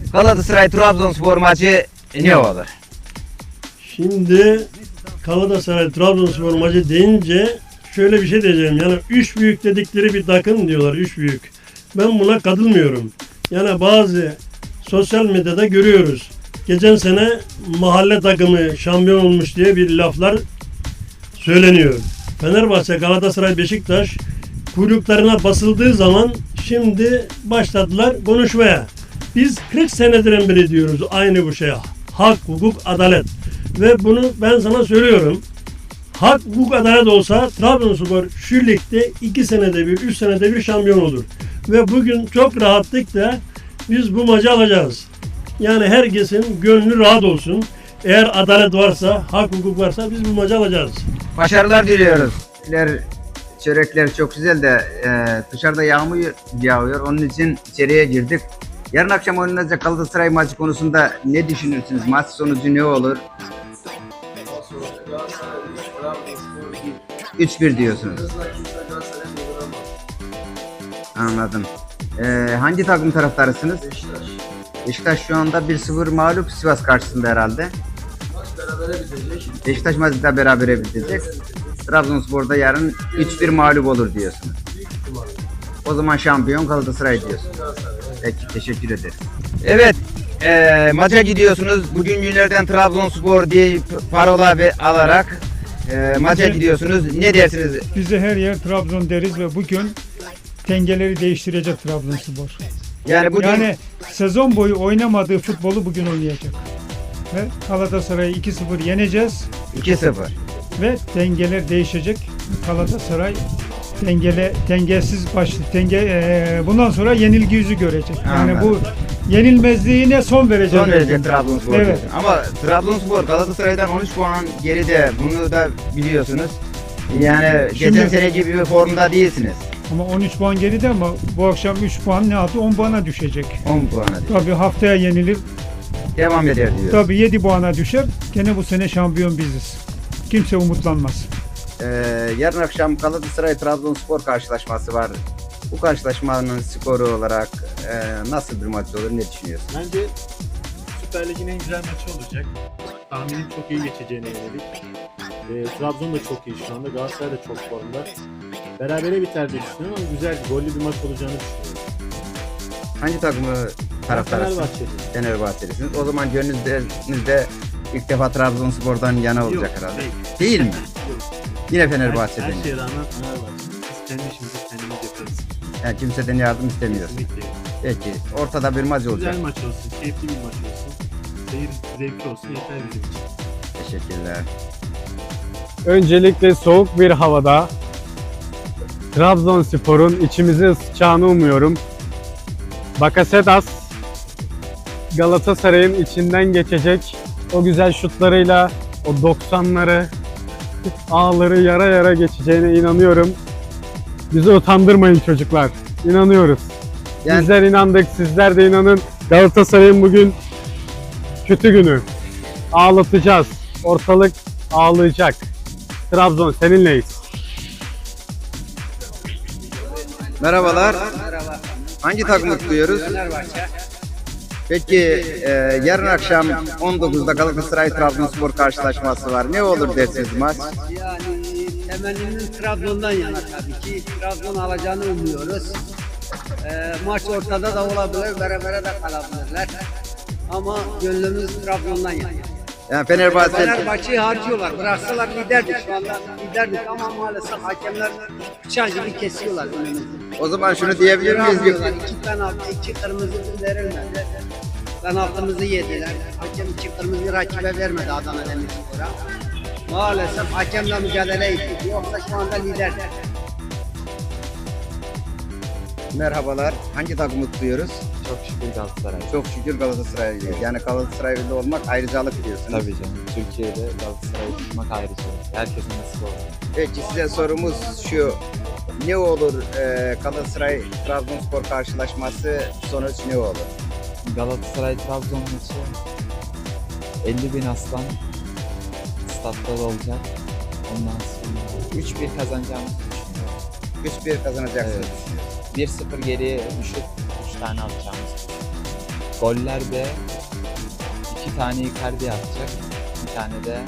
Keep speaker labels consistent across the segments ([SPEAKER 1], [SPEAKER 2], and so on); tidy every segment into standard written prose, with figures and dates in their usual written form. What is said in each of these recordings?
[SPEAKER 1] Galatasaray Trabzonspor maçı ne olur?
[SPEAKER 2] Şimdi Galatasaray Trabzonspor maçı deyince şöyle bir şey diyeceğim. Yani üç büyük dedikleri bir takım diyorlar. Üç büyük. Ben buna katılmıyorum. Yani bazı sosyal medyada görüyoruz. Geçen sene mahalle takımı şampiyon olmuş diye bir laflar söyleniyor. Fenerbahçe, Galatasaray, Beşiktaş kuyruklarına basıldığı zaman şimdi başladılar konuşmaya. Biz 40 senedir beri diyoruz aynı bu şeye. Hak, hukuk, adalet. Ve bunu ben sana söylüyorum. Hak, hukuk, adalet olsa Trabzonspor şu ligde 2 senede bir, 3 senede bir şampiyon olur. Ve bugün çok rahatlıkla biz bu maçı alacağız. Yani herkesin gönlü rahat olsun. Eğer adalet varsa, hak, hukuk varsa biz bu maçı alacağız.
[SPEAKER 1] Başarılar diliyoruz. Çörekler çok güzel de dışarıda yağmur yağıyor. Onun için içeriye girdik. Yarın akşam oynanacak Galatasaray maçı konusunda ne düşünürsünüz? Maç sonucu ne olur? 3-1 diyorsunuz. Anladım. Hangi takım taraftarısınız? Beşiktaş şu anda 1-0 mağlup Sivas karşısında herhalde. Beşiktaş maçı da berabere bitecek. Trabzonspor'da yarın 3-1 mağlup olur diyorsunuz. O zaman şampiyon Galatasaray diyorsunuz. Peki, teşekkür ederim. Evet, maça gidiyorsunuz. Bugün günlerden Trabzonspor diye parola alarak maça gidiyorsunuz. Ne dersiniz?
[SPEAKER 3] Biz de her yer Trabzon deriz ve bugün dengeleri değiştirecek Trabzonspor.
[SPEAKER 1] Yani bugün
[SPEAKER 3] Sezon boyu oynamadığı futbolu bugün oynayacak. Ve Galatasaray'ı 2-0 yeneceğiz.
[SPEAKER 1] 2-0.
[SPEAKER 3] Ve dengeler değişecek. Galatasaray dengesiz bundan sonra yenilgi yüzü görecek. Yani
[SPEAKER 1] Anladım.
[SPEAKER 3] bu yenilmezliğine son verecek.
[SPEAKER 1] Son verecek Trabzonspor.
[SPEAKER 3] Evet.
[SPEAKER 1] Ama Trabzonspor Galatasaray'dan 13 puan geride. Bunu da biliyorsunuz. Yani geçen sene gibi bir formda değilsiniz.
[SPEAKER 3] Ama 13 puan geride ama bu akşam 3 puan ne yaptı? 10 puana düşecek.
[SPEAKER 1] 10 puana değil.
[SPEAKER 3] Tabii haftaya yenilir.
[SPEAKER 1] Devam eder diyor.
[SPEAKER 3] Tabii 7 puana düşer. Gene bu sene şampiyon biziz. Kimse umutlanmaz.
[SPEAKER 1] Yarın akşam Galatasaray Trabzonspor karşılaşması var. Bu karşılaşmanın skoru olarak nasıl bir maç olur, ne düşünüyorsun?
[SPEAKER 4] Bence Süper Lig'in en güzel maçı olacak. Tahminim çok iyi geçeceğine yönelik. Trabzon da çok iyi şu anda. Galatasaray da çok formda. Berabere biter diye düşünüyorum ama güzel, gollü bir maç olacağını düşünüyorum.
[SPEAKER 1] Hangi takımı taraftarısınız?
[SPEAKER 4] Fenerbahçeli.
[SPEAKER 1] Fenerbahçelisiniz. O zaman gönlünüzde ilk defa Trabzonspor'dan yana olacak
[SPEAKER 4] Yok,
[SPEAKER 1] herhalde.
[SPEAKER 4] değil.
[SPEAKER 1] Değil mi?
[SPEAKER 4] Yok.
[SPEAKER 1] Yine Fenerbahçe'den.
[SPEAKER 4] Her şeye rağmen Fenerbahçe. Biz kendi işimizi kendimiz yaparız.
[SPEAKER 1] Yani kimseden yardım istemiyorsun.
[SPEAKER 4] Kesinlikle.
[SPEAKER 1] Peki. Ortada bir maç olacak.
[SPEAKER 4] Güzel maç olsun, keyifli bir maç olsun. Seyir zevkli olsun yeter bizim için.
[SPEAKER 1] Teşekkürler.
[SPEAKER 5] Öncelikle soğuk bir havada Trabzonspor'un içimizi ısıtacağını umuyorum. Bakasetas Galatasaray'ın içinden geçecek, o güzel şutlarıyla o 90'ları, ağları yara yara geçeceğine inanıyorum. Bizi utandırmayın çocuklar. İnanıyoruz.
[SPEAKER 1] Yani-
[SPEAKER 5] Bizler inandık, sizler de inanın. Galatasaray'ın bugün kötü günü. Ağlatacağız. Ortalık ağlayacak. Trabzon seninleyiz.
[SPEAKER 1] Merhabalar. Hangi takımı tutuyoruz? Peki yarın akşam 19'da Galatasaray Trabzonspor karşılaşması var. Ne olur dersiniz maç?
[SPEAKER 6] Yani temennimiz Trabzon'dan yana tabii ki. Trabzon alacağını umuyoruz. Maç ortada da olabilir, berabere de kalabilirler. Ama gönlümüz Trabzon'dan yana.
[SPEAKER 1] Yani Fenerbahçe
[SPEAKER 6] Fenerbahçe'yi harcıyorlar. Bıraksalar liderdik şu anda. Liderdik ama maalesef hakemler bıçak gibi kesiyorlar önümüzü.
[SPEAKER 1] o zaman şunu diyebilir miyiz?
[SPEAKER 6] Bırakmıyorlar. 2 penaltı, 2 kırmızı verilmedi. Penaltımızı yediler. Hakem 2 kırmızı rakibe vermedi Adana Demirspor'a. Maalesef hakemle mücadele ettik. Yoksa şu anda liderdik.
[SPEAKER 1] Merhabalar. Hangi takımı tutuyoruz?
[SPEAKER 7] Çok şükür Galatasaray.
[SPEAKER 1] Çok şükür Galatasaray. Yani Galatasaraylı olmak ayrıcalık diyorsunuz.
[SPEAKER 7] Tabii canım. Türkiye'de Galatasaray'ı tutmak ayrıca. Herkesin nasip olur.
[SPEAKER 1] Peki size sorumuz şu. Ne olur Galatasaray Trabzonspor karşılaşması sonuç ne olur?
[SPEAKER 7] Galatasaray Trabzon maçı 50.000 aslan statta da olacak. Ondan sonra 3-1 kazanacağımızı düşünüyorum.
[SPEAKER 1] 3-1 kazanacaksınız.
[SPEAKER 7] Evet. 1-0 geriye düşüp 3 tane atacağımızı düşünüyorum. Gollerde 2 tane Icardi atacak. Bir tane de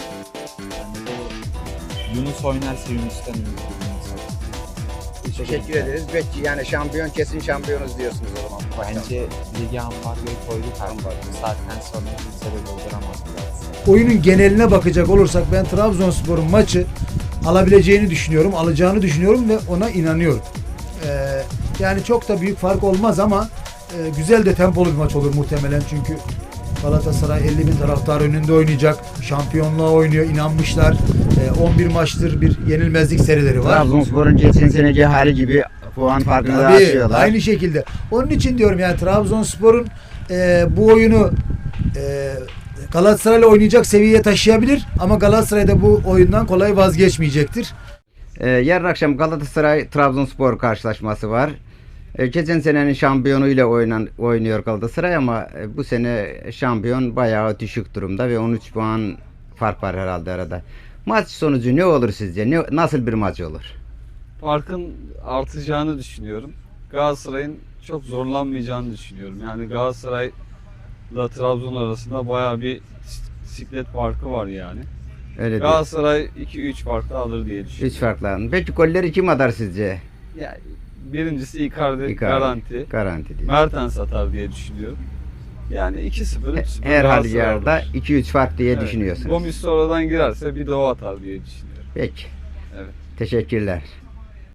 [SPEAKER 7] Yunus oynarsa Yunus'tan ümit
[SPEAKER 1] Teşekkür ederiz. Belki yani şampiyon kesin şampiyonuz diyorsunuz o zaman.
[SPEAKER 7] Bence ligi ambargoyu koyduk artık. Bu saatten sonra kimse de dolduramaz biraz.
[SPEAKER 8] Oyunun geneline bakacak olursak ben Trabzonspor'un maçı alabileceğini düşünüyorum, alacağını düşünüyorum ve ona inanıyorum. Yani çok da büyük fark olmaz ama güzel de tempolu bir maç olur muhtemelen çünkü Galatasaray 50 bin taraftar önünde oynayacak, şampiyonluğa oynuyor, inanmışlar. 11 maçtır bir yenilmezlik serileri var.
[SPEAKER 1] Trabzonspor'un geçen seneki hali gibi puan farkını da
[SPEAKER 8] Tabii,
[SPEAKER 1] açıyorlar.
[SPEAKER 8] aynı şekilde. Onun için diyorum yani Trabzonspor'un bu oyunu Galatasaray'la oynayacak seviyeye taşıyabilir ama Galatasaray da bu oyundan kolay vazgeçmeyecektir.
[SPEAKER 1] Yarın akşam Galatasaray Trabzonspor karşılaşması var. Geçen senenin şampiyonuyla oynuyor Galatasaray ama bu sene şampiyon bayağı düşük durumda ve 13 puan fark var herhalde arada. Maç sonucu ne olur sizce? Nasıl bir maç olur?
[SPEAKER 9] Farkın artacağını düşünüyorum. Galatasaray'ın çok zorlanmayacağını düşünüyorum. Yani Galatasaray'la Trabzon arasında bayağı bir siklet farkı var yani.
[SPEAKER 1] Öyle değil.
[SPEAKER 9] Galatasaray 2-3 farklı alır diye düşünüyorum.
[SPEAKER 1] 3 farklı. Peki golleri kim atar sizce?
[SPEAKER 9] Yani birincisi Icardi,
[SPEAKER 1] Icardi.
[SPEAKER 9] garanti.
[SPEAKER 1] Garanti diyor.
[SPEAKER 9] Mertens atar diye düşünüyorum. Yani 2-0, 3-0
[SPEAKER 1] Her
[SPEAKER 9] Galatasaray
[SPEAKER 1] halükarda
[SPEAKER 9] alır.
[SPEAKER 1] 2-3 fark diye
[SPEAKER 9] Evet.
[SPEAKER 1] düşünüyorsunuz.
[SPEAKER 9] Gomis sonradan girerse bir de o atar diye düşünüyorum.
[SPEAKER 1] Peki.
[SPEAKER 9] Evet.
[SPEAKER 1] Teşekkürler.